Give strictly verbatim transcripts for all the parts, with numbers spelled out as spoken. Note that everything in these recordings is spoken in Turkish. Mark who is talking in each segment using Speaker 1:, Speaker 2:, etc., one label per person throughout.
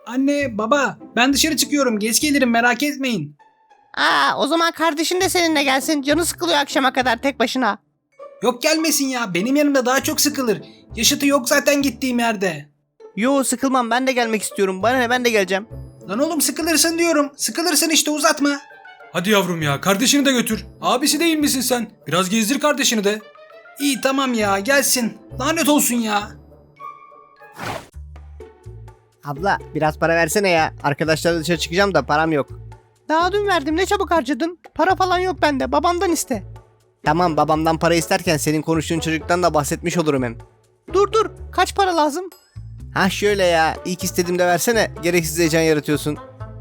Speaker 1: Anne, baba, ben dışarı çıkıyorum. Geç gelirim, merak etmeyin.
Speaker 2: Aa, o zaman kardeşin de seninle gelsin. Canı sıkılıyor akşama kadar tek başına.
Speaker 1: Yok gelmesin ya. Benim yanımda daha çok sıkılır. Yaşıtı yok zaten gittiğim yerde.
Speaker 2: Yo, sıkılmam, ben de gelmek istiyorum. Bana ne, ben de geleceğim.
Speaker 1: Lan oğlum sıkılırsın diyorum. Sıkılırsın işte, uzatma.
Speaker 3: Hadi yavrum ya, kardeşini de götür. Abisi değil misin sen? Biraz gezdir kardeşini de.
Speaker 1: İyi tamam ya, gelsin. Lanet olsun ya.
Speaker 2: Abla, biraz para versene ya. Arkadaşlarla dışarı çıkacağım da param yok. Daha dün verdim, ne çabuk harcadın. Para falan yok bende, babamdan iste. Tamam, babamdan para isterken senin konuştuğun çocuktan da bahsetmiş olurum hem. Dur dur, kaç para lazım? Ha şöyle ya, ilk istediğimde versene, gereksiz heyecan yaratıyorsun.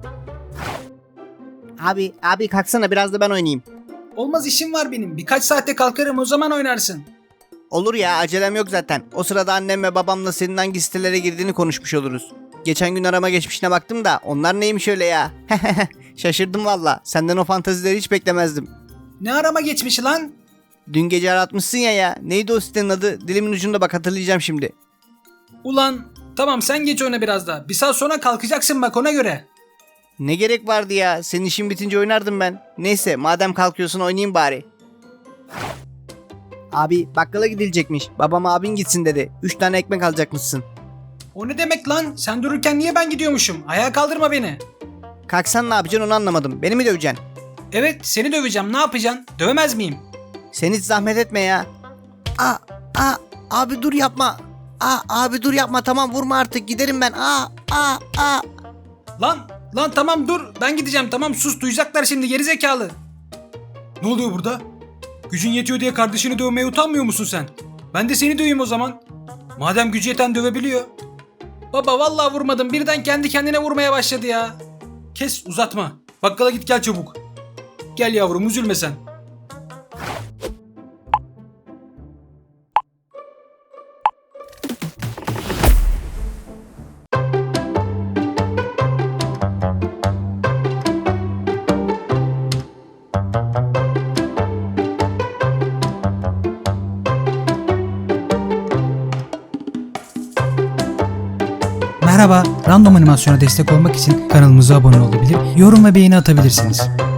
Speaker 2: Abi, abi kalksana, biraz da ben oynayayım.
Speaker 1: Olmaz, işim var benim. Birkaç saatte kalkarım, o zaman oynarsın.
Speaker 2: Olur ya, acelem yok zaten. O sırada annem ve babamla senin hangi sitelere girdiğini konuşmuş oluruz. Geçen gün arama geçmişine baktım da onlar neymiş öyle ya. Şaşırdım valla. Senden o fantazileri hiç beklemezdim.
Speaker 1: Ne arama geçmiş lan?
Speaker 2: Dün gece aratmışsın ya ya. Neydi o sitenin adı? Dilimin ucunda, bak hatırlayacağım şimdi.
Speaker 1: Ulan tamam, sen geç oyna biraz daha. Bir saat sonra kalkacaksın bak, ona göre.
Speaker 2: Ne gerek vardı ya? Senin işin bitince oynardım ben. Neyse, madem kalkıyorsun oynayayım bari. Abi, bakkala gidilecekmiş. Babam abin gitsin dedi. Üç tane ekmek alacakmışsın.
Speaker 1: O ne demek lan? Sen dururken niye ben gidiyormuşum? Ayağa kaldırma beni.
Speaker 2: Kalksan ne yapacaksın onu anlamadım. Beni mi döveceksin?
Speaker 1: Evet, seni döveceğim, ne yapacaksın? Dövemez miyim?
Speaker 2: Sen hiç zahmet etme ya. Aa, aa, abi dur yapma. Aa, abi dur yapma, tamam vurma artık, giderim ben. Aa, aa, aa.
Speaker 1: Lan, lan tamam dur. Ben gideceğim, tamam sus, duyacaklar şimdi, gerizekalı.
Speaker 3: Ne oluyor burada? Gücün yetiyor diye kardeşini dövmeye utanmıyor musun sen? Ben de seni döveyim o zaman. Madem gücü yeten dövebiliyor.
Speaker 1: Baba vallahi vurmadım, birden kendi kendine vurmaya başladı ya.
Speaker 3: Kes, uzatma. Bakkala git gel çabuk. Gel yavrum, üzülme sen.
Speaker 4: Merhaba, Random Animasyon'a destek olmak için kanalımıza abone olabilir, yorum ve beğeni atabilirsiniz.